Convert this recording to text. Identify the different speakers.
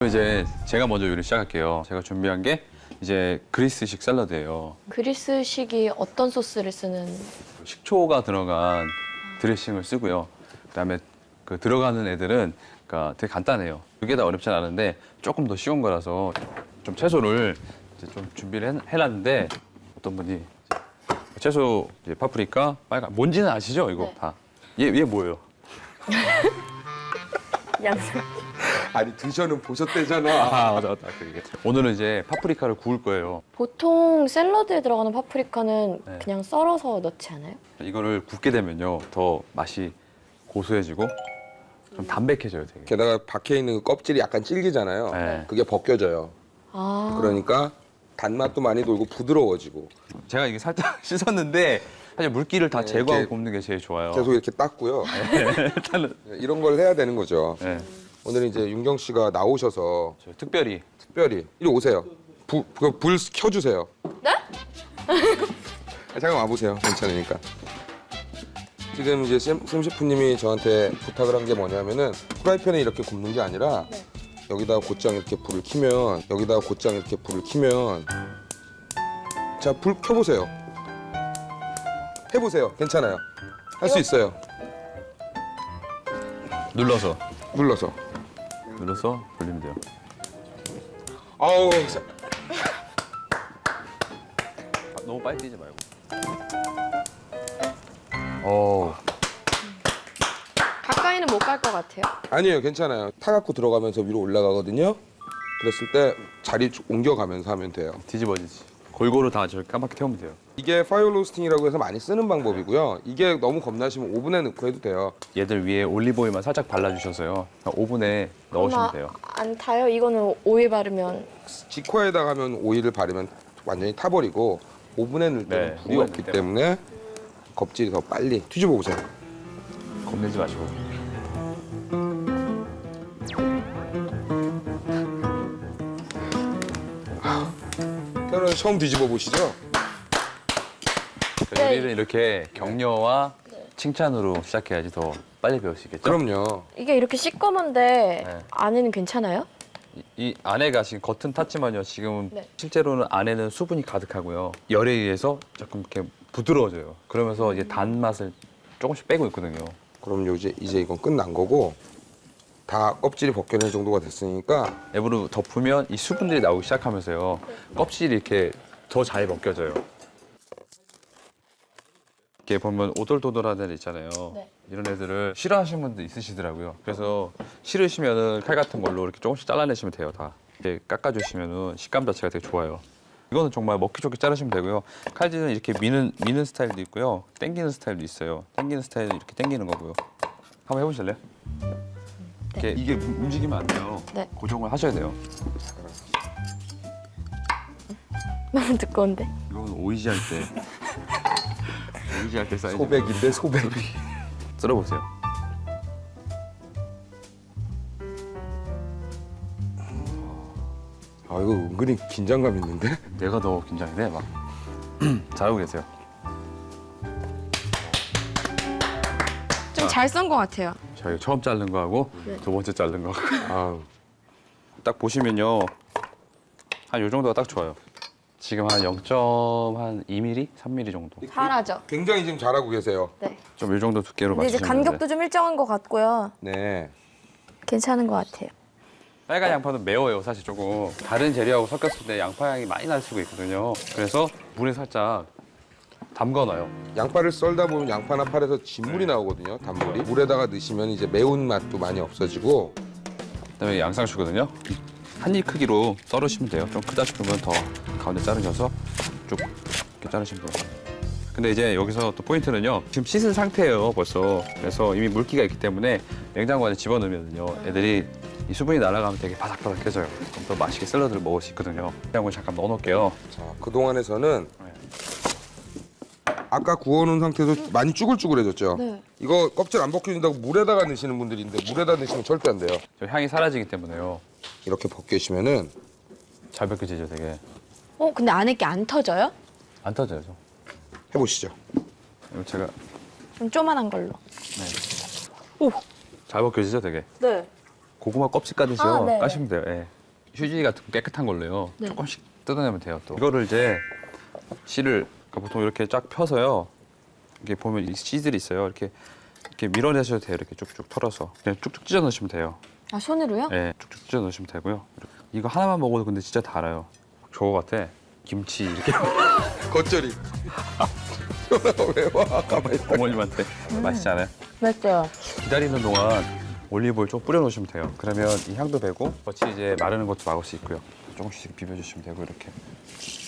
Speaker 1: 이제 제가 먼저 요리 시작할게요. 제가 준비한 게 이제 그리스식 샐러드예요.
Speaker 2: 그리스식이 어떤 소스를 쓰는?
Speaker 1: 식초가 들어간 드레싱을 쓰고요. 그다음에 그 들어가는 애들은 그러니까 되게 간단해요. 그게 다 어렵진 않은데 조금 더 쉬운 거라서 좀 채소를 이제 좀 준비를 해놨는데 어떤 분이 채소 이제 파프리카, 빨간 뭔지는 아시죠? 이거
Speaker 2: 네.
Speaker 1: 다. 얘 뭐예요?
Speaker 2: 양상.
Speaker 3: 아니 드셔는 보셨대잖아.
Speaker 1: 아 맞아. 그게. 오늘은 이제 파프리카를 구울 거예요.
Speaker 2: 보통 샐러드에 들어가는 파프리카는
Speaker 1: 네.
Speaker 2: 그냥 썰어서 넣지 않아요?
Speaker 1: 이거를 굽게 되면요 더 맛이 고소해지고 좀 담백해져요 되게.
Speaker 3: 게다가 박혀 있는 그 껍질이 약간 질기잖아요.
Speaker 1: 네.
Speaker 3: 그게 벗겨져요.
Speaker 2: 아.
Speaker 3: 그러니까 단맛도 많이 돌고 부드러워지고.
Speaker 1: 제가 이게 살짝 씻었는데 사실 물기를 다
Speaker 3: 네,
Speaker 1: 제거하고
Speaker 3: 이렇게
Speaker 1: 굽는 게 제일 좋아요.
Speaker 3: 계속 이렇게 닦고요.
Speaker 1: 일단은
Speaker 3: 이런 걸 해야 되는 거죠.
Speaker 1: 네,
Speaker 3: 오늘 이제 윤경 씨가 나오셔서
Speaker 1: 저 특별히
Speaker 3: 특별히 이리 오세요. 불 켜주세요.
Speaker 2: 네?
Speaker 3: 잠깐 와보세요. 괜찮으니까. 지금 이제 샘 셰프님이 저한테 부탁을 한 게 뭐냐면은 프라이팬에 이렇게 굽는 게 아니라
Speaker 2: 네.
Speaker 3: 여기다가 곧장 이렇게 불을 켜면 자, 불 켜보세요. 해보세요. 괜찮아요. 할 수 있어요.
Speaker 1: 눌러서
Speaker 3: 눌러서.
Speaker 1: 돌리면 돼요.
Speaker 3: 아우,
Speaker 1: 너무 빨리 뛰지 말고. 어,
Speaker 2: 가까이는 못 갈 것 같아요.
Speaker 3: 아니에요. 괜찮아요. 타갖고 들어가면서 위로 올라가거든요. 그랬을 때 자리 옮겨가면서 하면 돼요.
Speaker 1: 뒤집어지지. 골고루 다 저렇게 까맣게 태우면 돼요.
Speaker 3: 이게 파이어 로스팅이라고 해서 많이 쓰는 방법이고요. 이게 너무 겁나시면 오븐에 넣고 해도 돼요.
Speaker 1: 얘들 위에 올리브 오일만 살짝 발라주셔서요. 그냥 오븐에 넣으시면 돼요.
Speaker 2: 안 타요? 이거는 오일 바르면.
Speaker 3: 직화에다가 하면 오일을 바르면 완전히 타버리고 오븐에 넣을 때는
Speaker 1: 네,
Speaker 3: 불이
Speaker 1: 오븐에
Speaker 3: 없기
Speaker 1: 넣을
Speaker 3: 때문에 껍질이 더 빨리 뒤집어 보세요.
Speaker 1: 겁내지 마시고.
Speaker 3: 그러면 처음 뒤집어 보시죠.
Speaker 1: 그러니까 요리를 이렇게 격려와 칭찬으로 시작해야지 더 빨리 배울 수 있겠죠?
Speaker 3: 그럼요.
Speaker 2: 이게 이렇게 시꺼먼데
Speaker 1: 네.
Speaker 2: 안에는 괜찮아요?
Speaker 1: 이 안에가 지금 겉은 탔지만요. 지금
Speaker 2: 네.
Speaker 1: 실제로는 안에는 수분이 가득하고요. 열에 의해서 조금 이렇게 부드러워져요. 그러면서 이제 단맛을 조금씩 빼고 있거든요.
Speaker 3: 그럼 이제 이건 끝난 거고 다 껍질이 벗겨낼 정도가 됐으니까
Speaker 1: 앱으로 덮으면 이 수분들이 나오기 시작하면서요. 껍질이 이렇게 더 잘 벗겨져요. 이렇게 보면 오돌도돌한 애들 있잖아요.
Speaker 2: 네.
Speaker 1: 이런 애들을 싫어하시는 분들 있으시더라고요. 그래서 싫으시면은 칼 같은 걸로 이렇게 조금씩 잘라내시면 돼요. 다 이렇게 깎아주시면은 식감 자체가 되게 좋아요. 이거는 정말 먹기 좋게 자르시면 되고요. 칼질은 이렇게 미는 스타일도 있고요. 당기는 스타일도 있어요. 당기는 스타일은 이렇게 당기는 거고요. 한번 해보실래요? 이렇게 이게 움직이면 안 돼요.
Speaker 2: 네.
Speaker 1: 고정을 하셔야 돼요.
Speaker 2: 너무 두꺼운데.
Speaker 1: 이건 오이지 할 때. 오이지 할 때 사이즈.
Speaker 3: 소백인데 소백이.
Speaker 1: 썰어보세요.
Speaker 3: 아 이거 은근히 긴장감 있는데?
Speaker 1: 내가 더 긴장이 돼, 막. 잘하고 계세요.
Speaker 2: 좀 잘 썬 것 같아요.
Speaker 1: 저희 처음 자른 거하고
Speaker 2: 네.
Speaker 1: 두 번째 자른 거.
Speaker 3: 아
Speaker 1: 딱 보시면요. 한 요 정도가 딱 좋아요. 지금 한 0.2mm? 3mm 정도.
Speaker 2: 잘하죠?
Speaker 3: 굉장히 지금 잘하고 계세요.
Speaker 2: 네.
Speaker 1: 좀 요 정도 두께로
Speaker 2: 근데 이제
Speaker 1: 맞추시면
Speaker 2: 간격도
Speaker 1: 되는데.
Speaker 2: 좀 일정한 것 같고요.
Speaker 3: 네.
Speaker 2: 괜찮은 것 같아요.
Speaker 1: 빨간 양파는 매워요, 사실 조금. 다른 재료하고 섞였을 때 양파 향이 많이 날 수가 있거든요. 그래서 물에 살짝 담가놔요.
Speaker 3: 양파를 썰다 보면 양파나 팔에서 진물이 나오거든요. 단물이. 물에다가 넣으시면 이제 매운 맛도 많이 없어지고.
Speaker 1: 그다음에 양상추거든요. 한 입 크기로 썰으시면 돼요. 좀 크다 싶으면 더 가운데 자르셔서 쭉 이렇게 자르시면 돼요. 근데 이제 여기서 또 포인트는요. 지금 씻은 상태예요, 벌써. 그래서 이미 물기가 있기 때문에 냉장고 안에 집어넣으면요. 애들이 이 수분이 날아가면 되게 바삭바삭해져요. 그럼 더 맛있게 샐러드를 먹을 수 있거든요. 냉장고에 잠깐 넣어놓을게요.
Speaker 3: 자, 그동안에 저는 아까 구워놓은 상태에서 많이 쭈글쭈글해졌죠?
Speaker 2: 네.
Speaker 3: 이거 껍질 안 벗겨진다고 물에다가 넣으시는 분들이 있는데 물에다 넣으시면 절대 안 돼요.
Speaker 1: 저 향이 사라지기 때문에요.
Speaker 3: 이렇게 벗겨시면은
Speaker 1: 잘 벗겨지죠, 되게.
Speaker 2: 근데 안에 게 안 터져요?
Speaker 1: 안 터져요, 저.
Speaker 3: 해보시죠.
Speaker 1: 이거 제가
Speaker 2: 좀 쪼만한 걸로. 오.
Speaker 1: 잘 벗겨지죠, 되게.
Speaker 2: 네.
Speaker 1: 고구마 껍질 까듯이요.
Speaker 2: 아, 네.
Speaker 1: 까시면 돼요. 예. 휴지 같은 거 깨끗한 걸로요.
Speaker 2: 네.
Speaker 1: 조금씩 뜯어내면 돼요. 또 이거를 이제 씨를 그러니까 보통 이렇게 쫙 펴서요. 이게 보면 이 씨들이 있어요. 이렇게 밀어내셔도 돼요. 이렇게 쭉쭉 털어서 그냥 쭉쭉 찢어 넣으시면 돼요.
Speaker 2: 아 손으로요?
Speaker 1: 네, 쭉쭉 찢어 넣으시면 되고요. 이거 하나만 먹어도 근데 진짜 달아요. 저거 같아. 김치 이렇게
Speaker 3: 겉절이. 왜 와? 가만히 있다.
Speaker 1: 어머님한테 맛있지 않아요?
Speaker 2: 맞죠.
Speaker 1: 기다리는 동안 올리브오일 좀 뿌려 놓으시면 돼요. 그러면 이 향도 배고 같이 이제 마르는 것도 막을 수 있고요. 조금씩 비벼주시면 되고 이렇게.